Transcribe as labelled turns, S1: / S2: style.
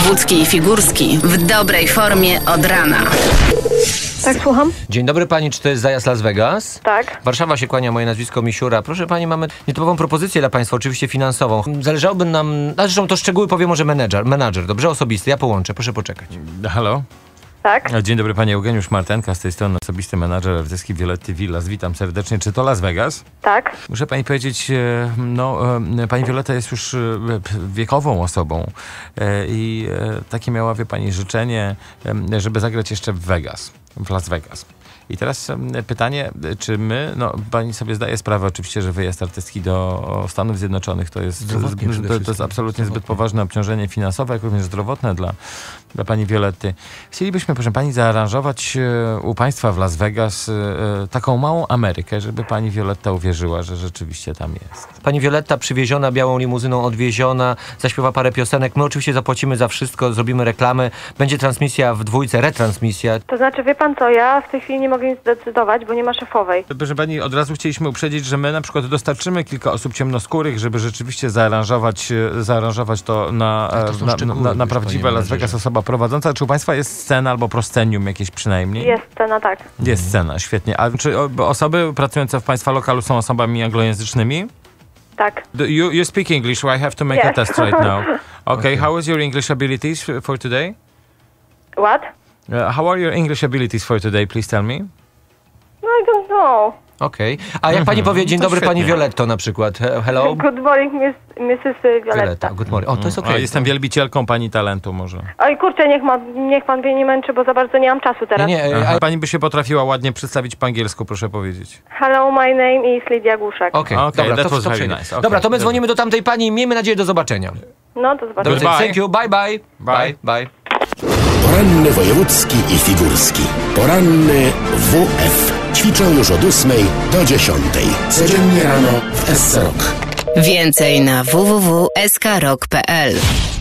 S1: Wojewódzki i Figurski w dobrej formie od rana.
S2: Tak, słucham?
S3: Dzień dobry pani, czy to jest zajazd Las Vegas?
S2: Tak.
S3: Warszawa się kłania, moje nazwisko Misiura. Proszę pani, mamy nietypową propozycję dla państwa, oczywiście finansową. Zależałoby nam, zresztą to szczegóły powie może menadżer, dobrze? Osobisty, ja połączę, proszę poczekać.
S4: Halo?
S2: Tak.
S4: Dzień dobry, panie Eugeniusz Martenka, z tej strony osobisty menadżer artystki Violetty Villas. Witam serdecznie. Czy to Las Vegas?
S2: Tak.
S4: Muszę pani powiedzieć, pani Violetta jest już wiekową osobą i takie miała, wie pani, życzenie, żeby zagrać jeszcze w Las Vegas. I teraz pytanie, czy my, pani sobie zdaje sprawę oczywiście, że wyjazd artystki do Stanów Zjednoczonych to jest absolutnie zbyt poważne obciążenie finansowe, jak również zdrowotne dla pani Violetty. Chcielibyśmy, proszę pani, zaaranżować u państwa w Las Vegas taką małą Amerykę, żeby pani Violetta uwierzyła, że rzeczywiście tam jest.
S3: Pani Violetta przywieziona białą limuzyną, odwieziona, zaśpiewa parę piosenek. My oczywiście zapłacimy za wszystko, zrobimy reklamę. Będzie transmisja w dwójce, retransmisja.
S2: To znaczy, wie pan co, ja w tej chwili nie mogę nic zdecydować, bo nie ma szefowej.
S4: Proszę pani, od razu chcieliśmy uprzedzić, że my na przykład dostarczymy kilka osób ciemnoskórych, żeby rzeczywiście zaaranżować to na prawdziwe Las Vegas, osoba prowadząca. Czy u państwa jest scena albo proscenium jakieś przynajmniej?
S2: Jest scena, tak.
S4: Jest scena, świetnie. A czy osoby pracujące w państwa lokalu są osobami anglojęzycznymi?
S2: Tak.
S4: You speak English, so I have to make a test right now. Okay, how is your English abilities for today?
S2: What?
S4: How are your English abilities for today, please tell me?
S2: No, I don't know.
S3: Okej. A jak pani powie, dzień
S4: To
S3: dobry
S4: świetnie.
S3: pani Violetto na przykład. Hello?
S2: Good morning, Mrs. Violetta.
S3: Good morning. O, to jest okej.
S4: Jestem wielbicielką pani talentu może.
S2: Oj, kurczę, niech pan mnie nie męczy, bo za bardzo nie mam czasu teraz.
S3: Nie,
S4: Pani by się potrafiła ładnie przedstawić po angielsku, proszę powiedzieć.
S2: Hello, my name is Lidia Głuszak.
S3: Okej,
S4: Okay,
S3: dobra,
S4: that was very
S3: przejdę.
S4: nice. Okay.
S3: Dobra, to my dzwonimy do tamtej pani i miejmy nadzieję do zobaczenia.
S2: No, to zobaczymy.
S4: Goodbye.
S3: Thank you, bye bye.
S4: Bye.
S3: Bye.
S5: Poranny wojewódzki i figurski. Poranny WF. Ćwiczą już od 8 do 10. Codziennie rano w SC Rock.
S1: Więcej na www.skrok.pl